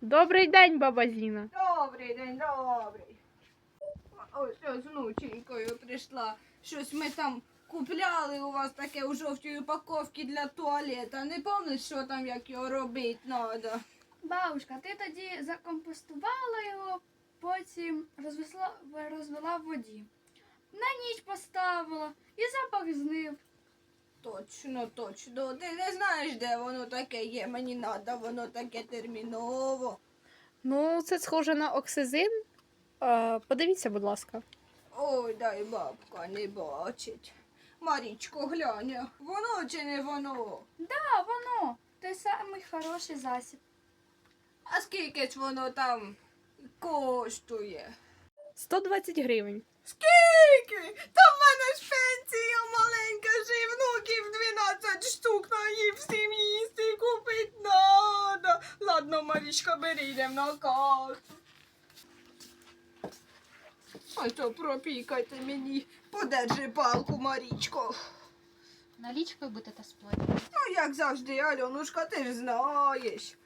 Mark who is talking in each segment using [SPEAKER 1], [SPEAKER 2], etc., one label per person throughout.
[SPEAKER 1] Добрий день, баба Зіна.
[SPEAKER 2] Добрий день, добрий. Ось я з внученькою прийшла. Щось ми там купляли у вас таке у жовтій упаковці для туалета. Не пам'ятаєш, що там, як його робити треба?
[SPEAKER 3] Бабушка, ти тоді закомпостувала його, потім розвела в воді. На ніч поставила і запах знив.
[SPEAKER 2] Точно, точно. Ти не знаєш, де воно таке є. Мені треба, воно таке терміново.
[SPEAKER 1] Ну, це схоже на оксизин. Подивіться, будь ласка.
[SPEAKER 2] Ой, дай бабка не бачить. Марічко, глянь, воно чи не воно?
[SPEAKER 3] А воно, той самий хороший засіб.
[SPEAKER 2] А скільки ж воно там коштує?
[SPEAKER 1] 120 гривень.
[SPEAKER 2] Скільки? Та в мене ж пенсія маленька, ж і внуків 12 штук наїв всім їсти купить надо. Ладно, Марічка, бери, йдем на карту. А то пропікайте мені. Подержи палку, Марічко.
[SPEAKER 3] Налічкою будете сплатити.
[SPEAKER 2] Ну, як завжди, Альонушка, ти ж знаєш.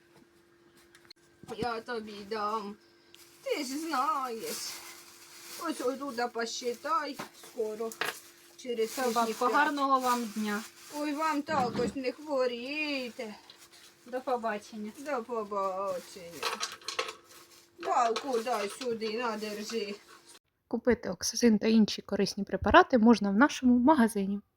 [SPEAKER 2] Я тобі дам. Ти ж знаєш. Ось туди посчитай скоро. Через
[SPEAKER 1] Бабко, гарного вам дня.
[SPEAKER 2] Ой, вам також не хворійте.
[SPEAKER 1] До побачення.
[SPEAKER 2] До побачення. Палку дай сюди, надержи.
[SPEAKER 1] Купити оксизин та інші корисні препарати можна в нашому магазині.